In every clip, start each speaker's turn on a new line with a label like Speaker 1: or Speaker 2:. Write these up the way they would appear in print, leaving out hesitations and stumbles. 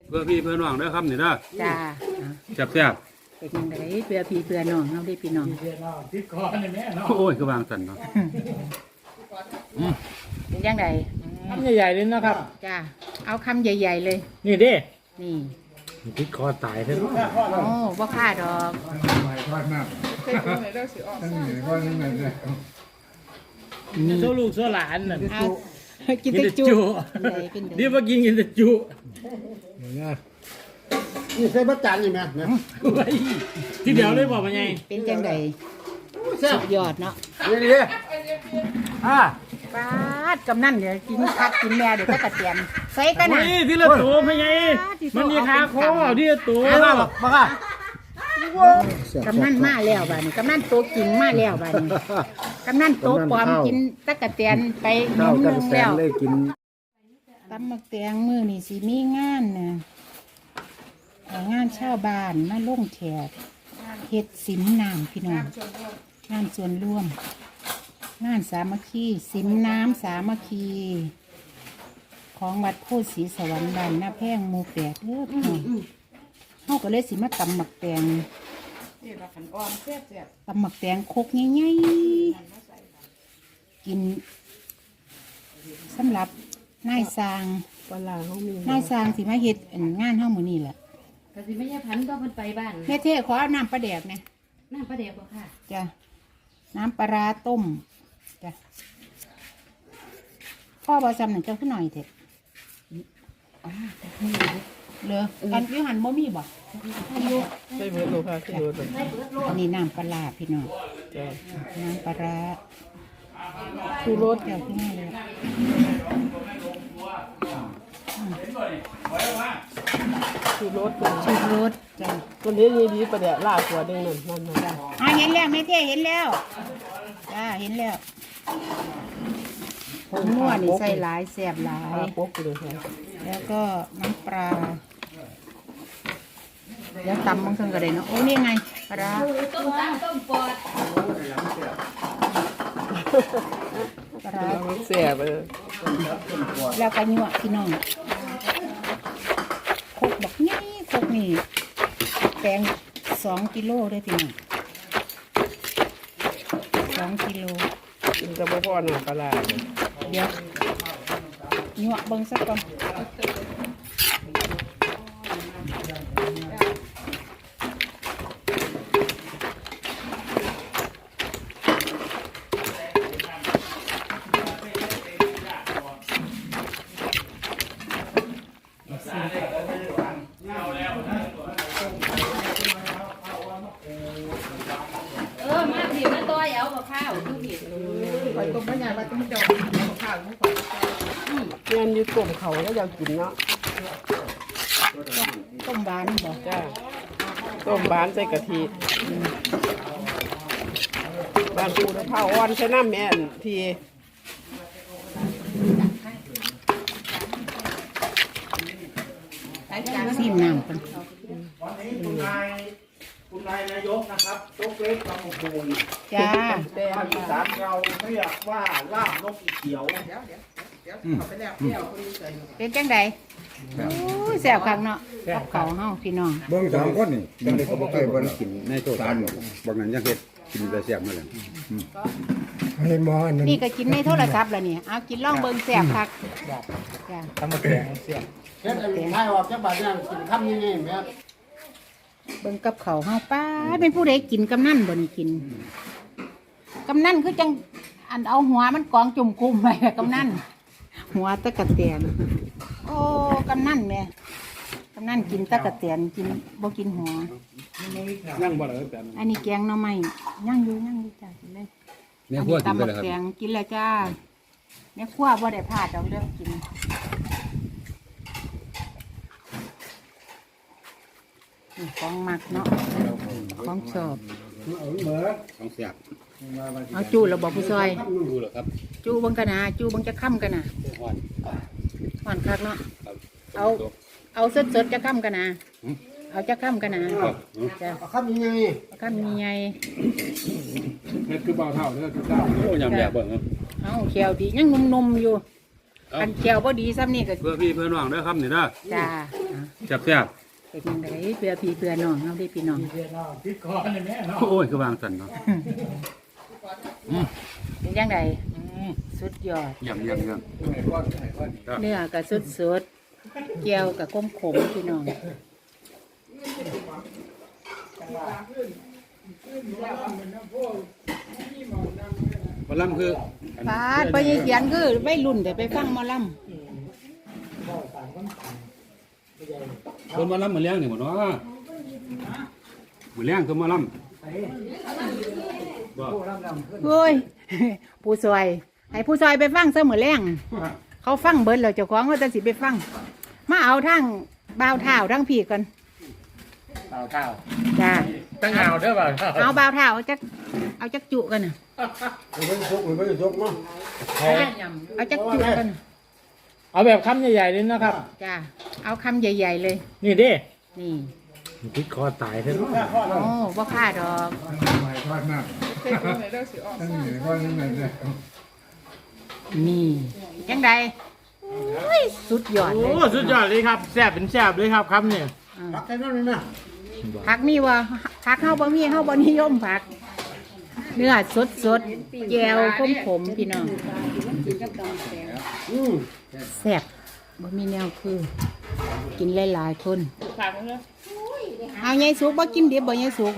Speaker 1: เพื่อพี่เพื่อน้องเด้อครับนี่เด้อ
Speaker 2: จ้า
Speaker 1: แซ่บ
Speaker 2: เป็นยังไงเพื่อพี่เพื่อน้องเขาได้พี่น้อง
Speaker 1: ๆโอ้ยคือวางสั่นเนาะ
Speaker 2: เป็นยังไง
Speaker 3: คำใหญ่ๆเลยนะครับ
Speaker 2: จ้าเอาคำใหญ่ๆเลย
Speaker 3: นี่เด้
Speaker 2: นี่
Speaker 3: พริกคอตายเถอะ
Speaker 2: โอ้บ่ค่าดอก
Speaker 3: โซ่ลูกโซ่หลานน่ะ
Speaker 2: เอากินแต่จุเป็นได
Speaker 3: เดี๋ยวมากินแต่จุ
Speaker 4: นี่ใส่บัตรจานนี่ไหมเนี่ย
Speaker 3: ไว้ที่เดียวเลยบอกมาไง
Speaker 2: เป็นจังได
Speaker 4: แซ่บ
Speaker 2: สุดยอดเนาะ
Speaker 4: นี่ดิ
Speaker 2: ปาดกำนั่นเดี๋ยวกินคักกินแม่เดี๋ยวก็กระเทียมใส่กันนะ
Speaker 3: นี่ที่ละตัวมาไงมันมีขาคอที่ละตัว
Speaker 4: ไม่ว่าหรอกบ้าค่ะ
Speaker 2: กำนั่นมาแล้วบ้านี้กำนั่นโตกินมาแล้วบ้านี้กำนั่นโตปลอมกินตะกะเตียนไปหนึ่งแล้ว
Speaker 4: เลยกิน
Speaker 2: ตำมักแตงมือนี่สิมีงานนะงานชาวบ้านมาลงแขกเฮ็ดสิมน้ำพี่น้องงานส่วนร่วม งานสามัคคีสิมน้ำสามัคคี ของวัดโพธิ์ศรีสวรรค์บ้านหน้าแพงหมู่8เด้อพี่น้องเฮาก็เลยสิมาตำหมักแตงตำหมักแตงโคกใหญ่ๆกินสำหรับนายสร้างนายสร้างสิมาเฮ็ดงานเฮามื้อนี้แหละ
Speaker 5: ก็สิไม่ใช่พันก็มันไปบ้าน
Speaker 2: แม่เท่ขอเอาน้ำปลาแดกนะ
Speaker 5: น้ำประเดี๋ยวบ่ค่ะ
Speaker 2: จ้ะน้ำปลาร้าต้มจ้ะพ่อบอซ้ำหนึ่งเจ้าขึ้นหน่อยเถอะเหลืออันวิหันบ่มีบ่อยู่
Speaker 3: ใช่เบิร์ดโลค่ะใช่เบิร์ด
Speaker 2: อันนี้น้ำปลาร้าพี่น้องน้ำปลาร้า
Speaker 3: ชูรส
Speaker 2: เจ้าขึ้นมาเลย
Speaker 3: ชูรส
Speaker 2: ชูรสจ้ะ
Speaker 3: ตัวนี้ดีประเดี๋ยวลากหัวเด้งนั่นจ้ะ
Speaker 2: เห็นแล้วแม่เท่เห็นแล้วจ้าเห็นแล้วผงนัวนี่ใส่หลายแซ่บหลาย
Speaker 3: ปุ๊บเลยค่ะ
Speaker 2: แล้วก็น้ำปลาเดี๋ยวตำบางครั้งก็ได้เนาะโอ้นี่ไงปลาร้า
Speaker 5: ต้มตำต้มปอด
Speaker 2: ปลาร้า
Speaker 3: เสียไปเลย
Speaker 2: แล้วก็ยั่วพี่น้องโคกบักนี่โคกนี่แปลง2 กิโลได้พี่น้อง2 กิโล
Speaker 3: กินจะบ่พอหน้าปลา
Speaker 2: เดี๋ยวยั่วเบิ่งสักก่อน
Speaker 5: มาผิวมาต้อยเอากับข้าวทุกผิด
Speaker 3: เงินอยู่กลุ่มเขาแล้วอยากกินเนาะ
Speaker 2: ต้มหวานบ่
Speaker 3: จ้าต้มบ้านใส่กะทิบ้านปูตะเผาอ่อนใช้น้ำแม่นที
Speaker 2: ซีมน้ำกัน
Speaker 4: คุณนายนายกนะครับยกเล็กลำพูน
Speaker 2: จ้า
Speaker 4: ภาคอีสานเราเรียกว่าลาบนกอีเขียว
Speaker 2: เป็นจังไดโอ้ยแซ่บคักเนาะกับเขาวเฮาพี่น้อง
Speaker 1: เบิ่งสองคนนี่จังได๋ก็บ่เคยบ่ได้กินในโต๊ะตานบางนั้นยังเฮ็ดกินแต่แซ่บมาแล้ว
Speaker 2: นี่ก็กินในโทรศัพท์แล้วนี่เอากินล่องเบิ่งแซ่บคักจ้า
Speaker 3: ทำมาแกงเสีย
Speaker 4: เฮ็ดอันไทยออกจากบ้านเนี่ยกินคำยังไงแม่
Speaker 2: เบิ่งกับเขาวเฮาป้าเป็นผู้ใดกินกำนันบ่นี่กินกำนันคือจังอันเอาหัวมันกองจุ่มคุมไปกำนันหัวตะกะเตียนโอ้กำนันแม่กำนันกินตะกะเตียนกินบ่กินหัว
Speaker 1: ยังบ่ได้แต่
Speaker 2: อันนี้แกงหน่อไม้ย่างอยู่จ้ากินเลย
Speaker 1: แม่
Speaker 2: อัน
Speaker 1: ครัว
Speaker 2: นี้
Speaker 1: กิน
Speaker 2: ตำ
Speaker 1: ไป
Speaker 2: บัก
Speaker 1: แล้วครับ
Speaker 2: แกงกินแล้วจ้าแม่ครัวบ่ได้พลาดดอกเรื่องกินนี่ของมักเนาะของชอบ
Speaker 1: ของแซ่บ
Speaker 2: เอาจูแล้วบอกผู้ซอย
Speaker 1: ดูแล้วครับ
Speaker 2: จูบังกันนะจูบังจะค่ำกันนะ
Speaker 1: ฮ้อน
Speaker 2: ห่อนคักเนาะ
Speaker 1: ครับ
Speaker 2: เอาสดจะค่ำกันนะเอาจะค่ำกันนะจ้ะ
Speaker 4: คำยังไง
Speaker 2: ค่ำมีไง
Speaker 1: เฮ็ดคือบ่าวเฒ่าเด้อคือเฒ่าโอ้ยำแดกเบิ่งครับ
Speaker 2: เอาเขียวดียังนมๆอยู่อันแก้วบ่ดีซ้ำนี่ก็
Speaker 1: เพื่อพี่เพื่อน้องเด้อครับนี่เด้อ
Speaker 2: จ้า
Speaker 1: แซ่บ
Speaker 2: เป็นยังไงเพื่อพี่เพื่อน้องเอาได้พี่น้อง
Speaker 3: ติดคอเลยแม่เนาะ
Speaker 1: ๆโอ้ยคือวางสั่นเนาะ
Speaker 2: เป็นยังไงสุดยอด
Speaker 1: เยี่ยม
Speaker 2: เนื้อก็สุดๆแก้วก็ขมๆพี่น้อง
Speaker 1: หมอลำคือ
Speaker 2: ปาดไปเขียนคือไม่รุ่นแต่ไปฟังหมอล
Speaker 1: คนหมาลำมาเลี้ยงนี่หมดเนาะมาเลี้ยงคือหมาลำบ่
Speaker 2: ำเฮ้ย ผู้ซอยให้ผู้ซอยไปฟังเสมอแรงเขาฟังเบิดแล้วเจ้าของเขาจะสิไปฟัง มาเอาทั้งบ่าวเท้าทั้งพี่กัน
Speaker 3: เต่าเต่า
Speaker 2: จ้า
Speaker 3: ตั้งเงาเด้อเปล่า
Speaker 2: เอาบ่าวเท้าเอาจักจุกันน่ะ
Speaker 1: ไม่ได้ยกเนาะ
Speaker 2: เอาจักจุกันน่ะ
Speaker 3: เอาแบบคำใหญ่ๆเลยนะครับ
Speaker 2: จ้าเอาคำใหญ่ๆเลย
Speaker 3: นี่ดิ
Speaker 2: นี่
Speaker 3: ติดคอตายเถอะ
Speaker 2: โอ้บ่ค่าดอก นี่ยังไงสุดยอด
Speaker 3: โอ้
Speaker 2: เลย
Speaker 3: สุดยอดเลยครับแซ่บเป็นแซ่บเลยครับคำเนี่ย
Speaker 2: ผักมีวะผักเฮาบ่มีเฮาบ่นิยมผัก เนื้อสดๆแก้วขมๆพี่น้องแซ่บบ่มีแนวคือ กินหลายๆคนเอายายสุกบ่กินดิบบ่ยายสุก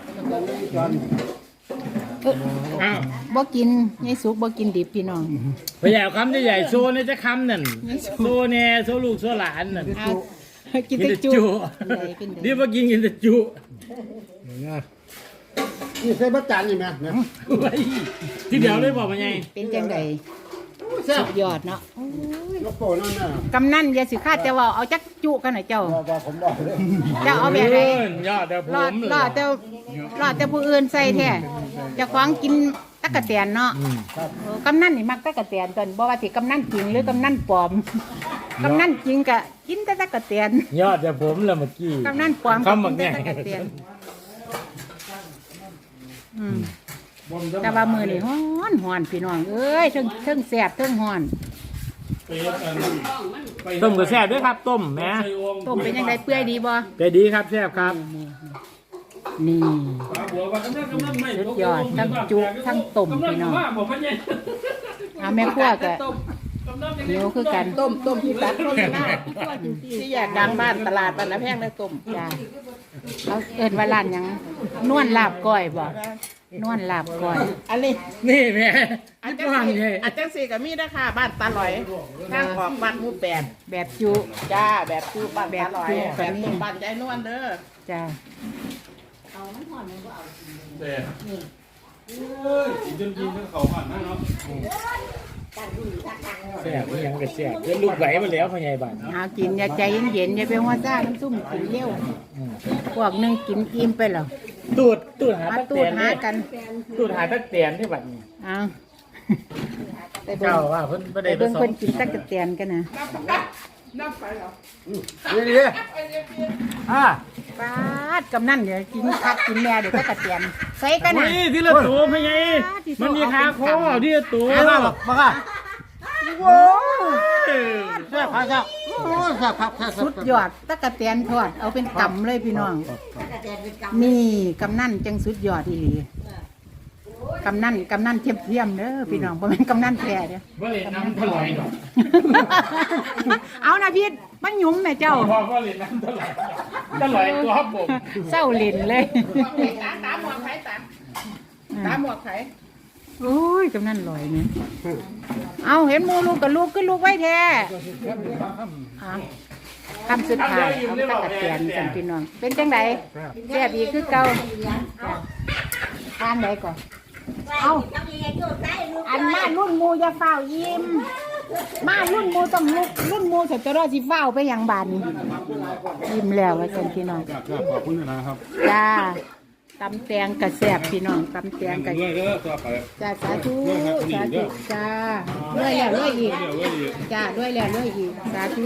Speaker 2: บ่กินยายสุกบ่กินดิบพี่น้อง
Speaker 3: พยายามคำใหญ่ๆโซเนี่ยจะคำนั่นโซเนี่ยโซลูกโซหลานนั่น
Speaker 2: เอากินแต่จุเป็นไง
Speaker 3: นี่มากินแต่จุ
Speaker 1: นี่ใส่บัตรจานนี่แม่เนี่ย
Speaker 3: ที่เดียวเลยบอกมาไง
Speaker 2: เป็นจังไดสุดยอดเนาะ
Speaker 1: ยกโปนั่นน่ะ
Speaker 2: กำนันอย่าสิคาดแต่ว่าเอาจักจุกันหน่อยเจ้า
Speaker 1: ว่าผมบอกเลย
Speaker 2: เจ้าเอาแบบไหน
Speaker 3: ยอดเดี๋ยวผ
Speaker 2: รอด
Speaker 3: มเลย
Speaker 2: รอดแต่ผู้อื่นใส่แท้เจะคว้าของกินตักกะแตนเนาะกำนันนี่มักตักกะแตนตอนบ่ว่าสิกำนันจริงหรือกำนันปลอมกำนันจริงกะกินแต่ตักกะแตน
Speaker 3: ยอดเดี๋ยวผมเลยเมื่อกี้
Speaker 2: กำนันปลอมก็
Speaker 3: คำบั
Speaker 2: กิ
Speaker 3: ก
Speaker 2: น
Speaker 3: เนี่
Speaker 2: แต่
Speaker 3: ย
Speaker 2: ตักกะแตนแต่ว่ามือนี่ฮ้อนพี่น้องเอ้ยเทิงแสบเทิงฮ้อน
Speaker 3: ต้มก็แซ่บด้วยครับต้มแหม
Speaker 2: ต้มเป็นยังไงเปื่อยดีบ่
Speaker 3: แต่ดีครับแซ่บครับ
Speaker 2: นี่สุดยอดทั้งจุทั้งต้มพี่น้องเอาแม่ครัวก็เหนียวคือกัน
Speaker 6: ต้มที่ตัดต้มหน้าที่อยากดังบ้านตลาดบ้านละแพงเลยต้ม
Speaker 2: จ้าเขาเอิ้นว่าร้านหยังนวลลาบก้อยบ่นวลลาบก้อย
Speaker 6: อันนี้
Speaker 3: นี่แม่
Speaker 6: อาจ
Speaker 3: ที่
Speaker 6: จะ
Speaker 3: บ้าน
Speaker 6: สี่
Speaker 3: ไง
Speaker 6: อาจจะสี่กับมีนะคะบ้านตาลอยทางออกบ้านหมูแปด
Speaker 2: แบบจุ
Speaker 6: จ้าแบบตู้บ้านตาลอย
Speaker 2: แบบ
Speaker 6: แบบต้มบ้านยายนวลเด้อ
Speaker 2: จ้า
Speaker 3: แซ่บนี่ยังก็แซ่บเป็นลูกไหลมาแล้วพ่อใหญ่บ้าน
Speaker 2: เอากินอย่าใจเย็นๆอย่าไปหัวซ่าน้ำซุ่มกินเร็วพวกหนึงกินอิ่มไปแล้ว
Speaker 3: ตูดหา
Speaker 2: มา
Speaker 3: ตัก
Speaker 2: ตู
Speaker 3: เตี
Speaker 2: ด
Speaker 3: ยน
Speaker 2: หากัน
Speaker 3: ตูดหาตักเตียนที่บัดนี้
Speaker 2: เอาไปเบิ่
Speaker 3: เจ้าง ว่าเพิ่นบ่
Speaker 2: ไป
Speaker 3: ได้ไป
Speaker 2: เบิ่ง
Speaker 3: ส่
Speaker 2: เพิ่
Speaker 3: ง
Speaker 2: นกินตักกะแตนกันนะ
Speaker 1: นี่
Speaker 3: อ่า
Speaker 2: ปาดกำนั่นเดี๋ยวกินคักกินแม่เดี๋ยวตักกะแตนใส่กัน
Speaker 3: โอ้
Speaker 2: นะ
Speaker 3: ยที่ละตัวพ่อใหญ่มันมีขาคอที่ละตัว
Speaker 1: มาบอกมาค่ะ
Speaker 2: โอ้ย
Speaker 1: แซ่บครับโอ้แซ่บครับแซ่บ
Speaker 2: สุดยอดตักกะแตนทอดเอาเป็นกำเลยพี่น้อง นี่กำนั่นจังสุดยอดอีหลีกำนั่นเทียมๆเด้อพี่น้องบ่แม่นกำนั่นแท้เด้อ
Speaker 3: บ่เล่นน้ำถลอยหรอก
Speaker 2: เอานะพี่มันหยุ่มแม่เจ้า
Speaker 3: พ่อบ่เล่นน้ำถลอยตัวผม
Speaker 2: เศร้าเล่นเลย
Speaker 6: ตาหมวกไผ่ตาหมวกไผ่
Speaker 2: โอ้ยกำนั่นลอยนี่เอาเห็นหมูลูกกับลูกขึ้นลูกไว้แท้เอาคำสุดท้ายเอาตักกะแตนกันพี่น้อง เป็นจังไดแซ่บอีกคือเก่าทานใดก่อนเอาอันมารุ่นหมูอย่าเฝ้ายิ้มมารุ่นหมูต้องลุกรุ่นหมูเสร็จจะรอสิเฝ้าไปอย่างบานนี้ยิ้มแล้วว่าจังพี่น้อง
Speaker 1: ขอบคุณนะครับ
Speaker 2: จ้าตำแตงกระแสบพี่น้องตำแตงกระ
Speaker 1: เรื่อยๆต่อไป
Speaker 2: จ้าสาธุสาธุจ้าเรื่อยแล้วเรื่อยอีกจ้าเรื่อยแล้วเรื่อยอีกสาธุ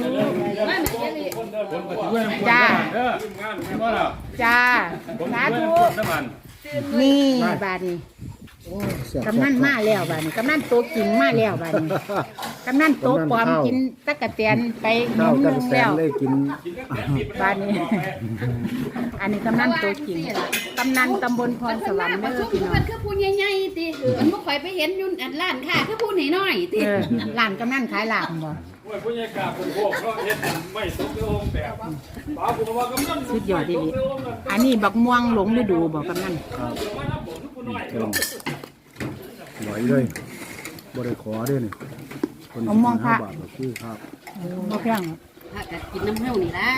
Speaker 2: จ้า
Speaker 1: เด้องานไม่ว่าหรอก
Speaker 2: จ้าสาธุนี่บาดนี้กำนันมาแล้วบ้านี้กำนันโตจริงมาแล้วบ้านี้กำนันโตปลอมกินตะกะเตียนไปห
Speaker 1: ข้าว
Speaker 2: นึ่
Speaker 1: ตะ
Speaker 2: ง
Speaker 1: แต
Speaker 2: แล้ว
Speaker 1: นได้กิน
Speaker 2: บ้านนี้ อันนี้กำนันโตจริงกำนันตำบลพรสวรรค์
Speaker 5: มา
Speaker 2: เด้อ
Speaker 5: ชุม
Speaker 2: พี่น้อ
Speaker 5: เพิ่
Speaker 2: ง
Speaker 5: นคือผู้ใหญ่ๆติมันบ่ค่อยไปเห็นอยู่อันร้านค้าคือผู้น้อยๆติ
Speaker 2: ร้านกำนันขายลาบบ่
Speaker 3: โอ้ยผู้ใหญ่กาผมพวกเขาเฮ็ดไม่สมกับองค์แบบป้าผมว่ากำนัน
Speaker 2: สุดยอดดีอันนี้บักม่วงหลงฤดูบอกกำนัน
Speaker 1: เพิ่มไหวเลยบ่ได้ขอเด้นี่คนสิ5 บาทก็คือครับ
Speaker 2: บ่แพง
Speaker 5: พากันกินน้ำเฮานี่ล่ะ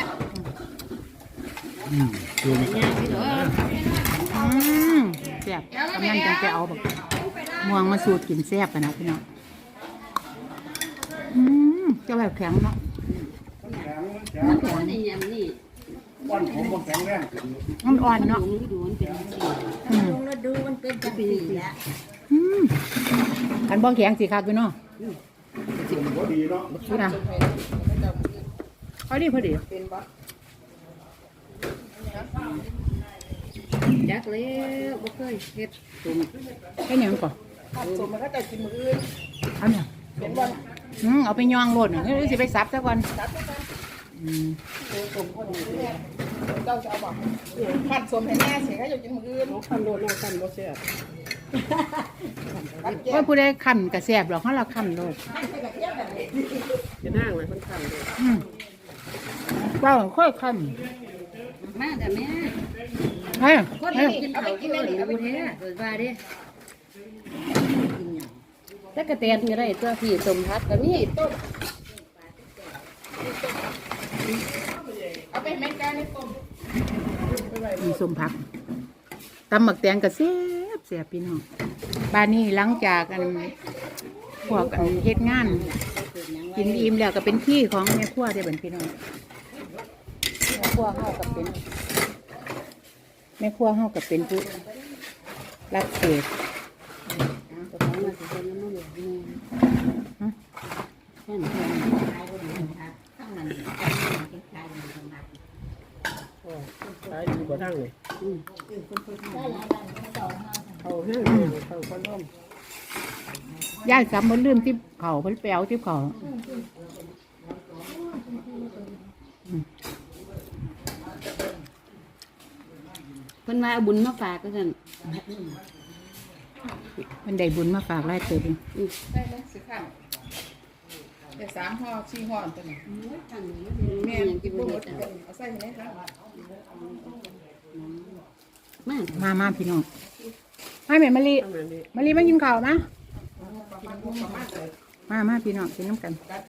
Speaker 1: คือ
Speaker 5: ย่างไปเด้อ
Speaker 2: แซ่บกำนันจังไปเอาบักม่วงมาสูตรกินแซ่บกันนะพี่น้องเจะแบบแข็งเนาะ
Speaker 5: มันบ่ได้ยำนี่
Speaker 4: วันผมบ่แข็งแรง
Speaker 2: มันอ่อน
Speaker 5: หล
Speaker 2: เนาะ
Speaker 5: งฤดูมันเป็นจังซี่
Speaker 2: ลงฤดูมันเป็นจังซี่แหละคันบ่แข็งสิคักอยู่เนาะ
Speaker 4: บ่ดีเนาะ
Speaker 2: พี่นะพอดีพอดี
Speaker 5: จักแล้วบ่เคยเฮ็ดตุ่ม
Speaker 2: แค่นี้มันก่อน
Speaker 6: สมมันก็จะกินมืออื่น
Speaker 2: เอาเนี่ย
Speaker 6: เป็นวัน
Speaker 2: เอาไปย่างโลดเฮ้ยสิไปซับซะก่อน
Speaker 6: เจ้าจะเอาบอกขัดสมให้แน่เสียก็จะกินมืออื่นขันโดนเอาขันบ่เสีย
Speaker 2: ว่าผู้ใดคั่นก็แซ่บหรอกเฮาละคั่นโลด
Speaker 6: จะนั่งเลยคนขันเลย
Speaker 2: ว่าค่อยคั่น
Speaker 5: มาแต่แม่
Speaker 2: เฮ้ย
Speaker 5: คน
Speaker 2: เฮ้ย
Speaker 5: กินข้าวกินอะไรอยู่แท้เกิดว่าเด้ตะกะแตนก็ได้ตัวพี่สมพัดก็มีต้ม
Speaker 6: เอาไปแม่กาในต้ม
Speaker 2: มีสมผักตำหมักแตงก็แซ่บแซ่บพี่น้องบ้านนี้หลังจากอันพวกอันเฮ็ดงาน กินอิ่มแล้วก็เป็นที่ของแม่ครัวได้อบัดพี่น้องแม่ครัวเฮาก็เป็นแม่ครัวเฮาก็เป็นผู้รับเศษ
Speaker 5: ก็ของมาสิเป็นน้ำมันเหลืองแม่น
Speaker 6: ขายดีกว่าทั้งเลยเอาแห้งเอาคนร่ม
Speaker 2: ย่ายกลับมาลืมที่เขาเพิ่นไปเอาที่เขา
Speaker 5: เพิ่นว่าเอาบุญมาฝากก็ซั่น
Speaker 2: มันได้บุญมาฝากหลายเติบอยู่
Speaker 6: ได้ไหมสิขันได้3 ห่อ 4 ห่อตัวนี้
Speaker 5: แม่ยังกินบ่
Speaker 6: หม
Speaker 5: เฮ็
Speaker 6: ด
Speaker 5: ดอ่ะ
Speaker 6: เอาใส่ให้ได้ครับ
Speaker 5: มา
Speaker 2: มาพี่น้องให้แม่มะลิมะลิมากินข้าวนะมาพี่น้องกินน้ำกัน